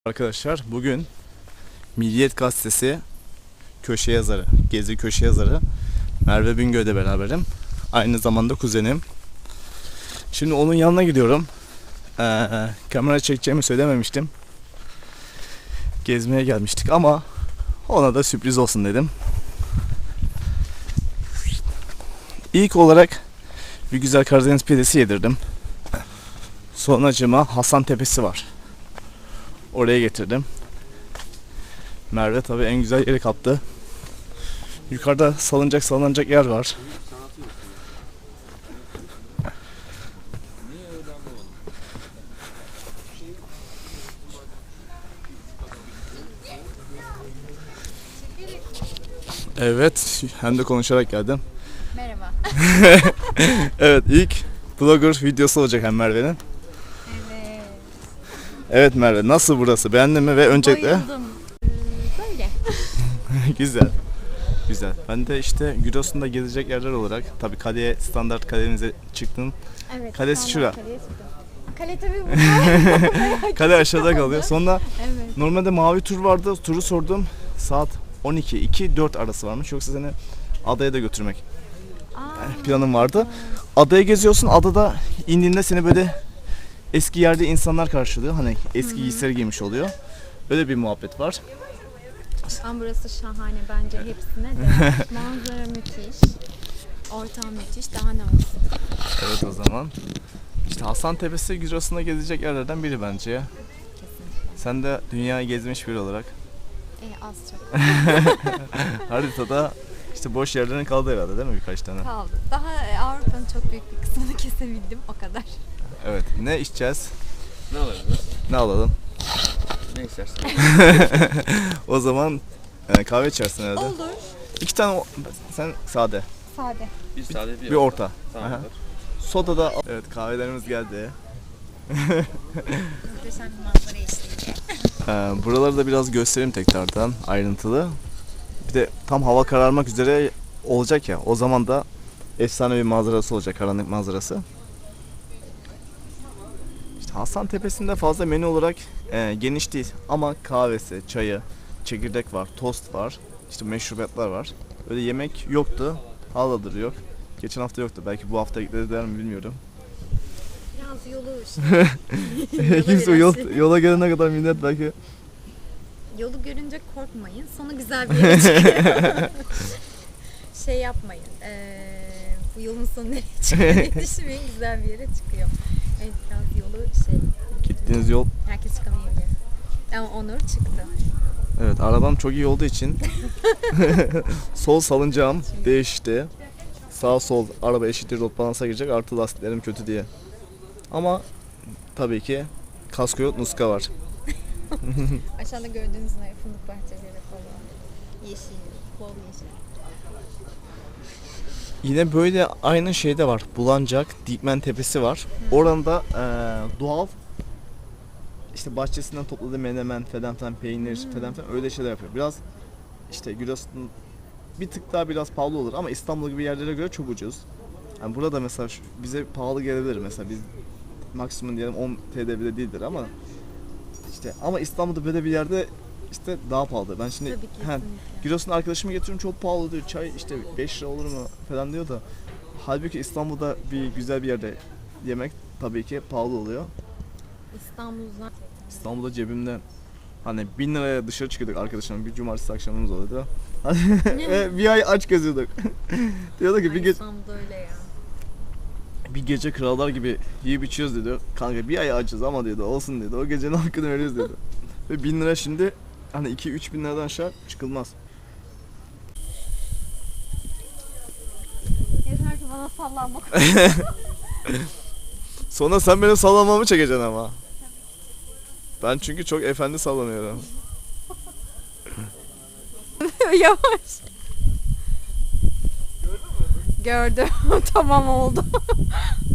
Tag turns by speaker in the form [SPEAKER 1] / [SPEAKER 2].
[SPEAKER 1] Arkadaşlar bugün Milliyet Gazetesi köşe yazarı, Gezi köşe yazarı Merve Bingöl'de beraberim. Aynı zamanda kuzenim. Şimdi onun yanına gidiyorum. Kamera çekeceğimi söylememiştim. Gezmeye gelmiştik ama ona da sürpriz olsun dedim. İlk olarak bir güzel Karadeniz pidesi yedirdim. Sonracığıma Hasan Tepesi var. Oraya getirdim. Merve tabii en güzel yeri kaptı. Yukarıda salınacak yer var. Evet, hem de konuşarak geldim.
[SPEAKER 2] Merhaba.
[SPEAKER 1] Evet, ilk blogger videosu olacak hem Merve'nin.
[SPEAKER 2] Evet.
[SPEAKER 1] Evet Merve, nasıl burası? Beğendin mi? Ve öncelikle...
[SPEAKER 2] Bayıldım. Böyle.
[SPEAKER 1] Güzel. Güzel. Ben de işte Giresun'da gezecek yerler olarak, tabii kaleye, standart kalemize çıktım.
[SPEAKER 2] Evet.
[SPEAKER 1] Kalesi şura.
[SPEAKER 2] Kale tabii burada.
[SPEAKER 1] Kale aşağıda kalıyor. Sonra
[SPEAKER 2] Evet.
[SPEAKER 1] normalde mavi tur vardı. Turu sordum. Saat 12-2-4 arası varmış. Yoksa seni adaya da götürmek planım vardı. Adayı geziyorsun. Adada indiğinde seni böyle eski yerde insanlar karşılıyor. Hani eski giysileri giymiş oluyor. Öyle bir muhabbet var.
[SPEAKER 2] Ama burası şahane bence hepsine de. Manzara müthiş. Ortam müthiş. Daha ne olsun?
[SPEAKER 1] Evet o zaman. İşte Hasan Tepesi Giresun'da gezecek yerlerden biri bence ya.
[SPEAKER 2] Kesinlikle.
[SPEAKER 1] Sen de dünyayı gezmiş biri olarak
[SPEAKER 2] Az çok.
[SPEAKER 1] haritada işte boş yerlerin kaldı herhalde değil mi birkaç tane?
[SPEAKER 2] Kaldı. Daha Avrupa'nın çok büyük bir kısmını kesebildim. O kadar.
[SPEAKER 1] Evet. Ne içeceğiz?
[SPEAKER 3] Ne alalım?
[SPEAKER 1] Ne alalım?
[SPEAKER 3] Ne istersen.
[SPEAKER 1] O zaman kahve içersin herhalde.
[SPEAKER 2] Olur.
[SPEAKER 1] 2 tane sen sade.
[SPEAKER 2] Sade.
[SPEAKER 3] Bir sade
[SPEAKER 1] Bir orta.
[SPEAKER 3] Tamam.
[SPEAKER 1] Aha. Soda da evet kahvelerimiz geldi.
[SPEAKER 2] Muhteşem bir manzara eşliğinde.
[SPEAKER 1] Buraları da biraz göstereyim tekrardan ayrıntılı. Bir de tam hava kararmak üzere olacak ya. O zaman da efsane bir manzarası olacak, karanlık manzarası. İşte Hasan Tepesi'nde fazla menü olarak geniş değil ama kahvesi, çayı, çekirdek var, tost var, işte meşrubatlar var. Öyle yemek yoktu, haladır yok. Geçen hafta yoktu, belki bu hafta eklediler mi bilmiyorum.
[SPEAKER 2] Biraz yolu
[SPEAKER 1] Kimse yola gelene kadar millet belki...
[SPEAKER 2] Yolu görünce korkmayın. Sonu güzel bir yere çıkıyor. Şey yapmayın. Bu yolun sonu nereye çıkıyor diye düşünmeyin. Güzel bir yere çıkıyor. Evet, biraz yolu
[SPEAKER 1] Gittiğiniz yol...
[SPEAKER 2] herkes çıkamayabilir. Ama Onur çıktı.
[SPEAKER 1] Evet, arabam çok iyi olduğu için sol salıncağım değişti. Sağ sol araba eşittir rot balansa girecek, artı lastiklerim kötü diye. Ama tabii ki kasko yok, nuska var.
[SPEAKER 2] Aşağıda gördüğünüz gibi fındık bahçeleri falan. Yeşil, bol yeşil.
[SPEAKER 1] Yine böyle aynı şeyde var. Bulancak, Dikmen Tepesi var. Oranda doğal işte bahçesinden topladığı menemen, falan peynir, falan öyle şeyler yapıyor. Biraz işte Giresun bir tık daha biraz pahalı olur ama İstanbul gibi yerlere göre çok ucuz. Yani burada mesela bize pahalı gelebilir mesela biz maksimum diyelim 10 TL bile değildir ama işte ama İstanbul'da böyle bir yerde işte daha pahalı. Ben şimdi
[SPEAKER 2] Tabii kesinlikle.
[SPEAKER 1] Giresun arkadaşımı getiriyorum çok pahalı diyor. Çay işte 5 lira olur mu falan diyor da halbuki İstanbul'da bir güzel bir yerde yemek tabii ki pahalı oluyor.
[SPEAKER 2] İstanbul'dan
[SPEAKER 1] İstanbul'da cebimde hani 1000 liraya dışarı çıkıyorduk arkadaşımla bir cumartesi akşamımız oluyordu. Ve bir ay aç geziyorduk. Diyordu ki
[SPEAKER 2] İstanbul'da öyle ya.
[SPEAKER 1] bir gece krallar gibi yiyip içiyoruz dedi. Kanka bir ay açız ama dedi olsun dedi. O gecenin hakkını veriyoruz dedi. Ve 1000 lira şimdi hani 2-3 bin liradan aşağı çıkılmaz.
[SPEAKER 2] Yeter ki bana sallanmak.
[SPEAKER 1] Sonra sen benim sallamamı çekeceksin ama. Ben çünkü çok efendi sallanıyorum.
[SPEAKER 2] Yavaş. Gördüm. Tamam oldu.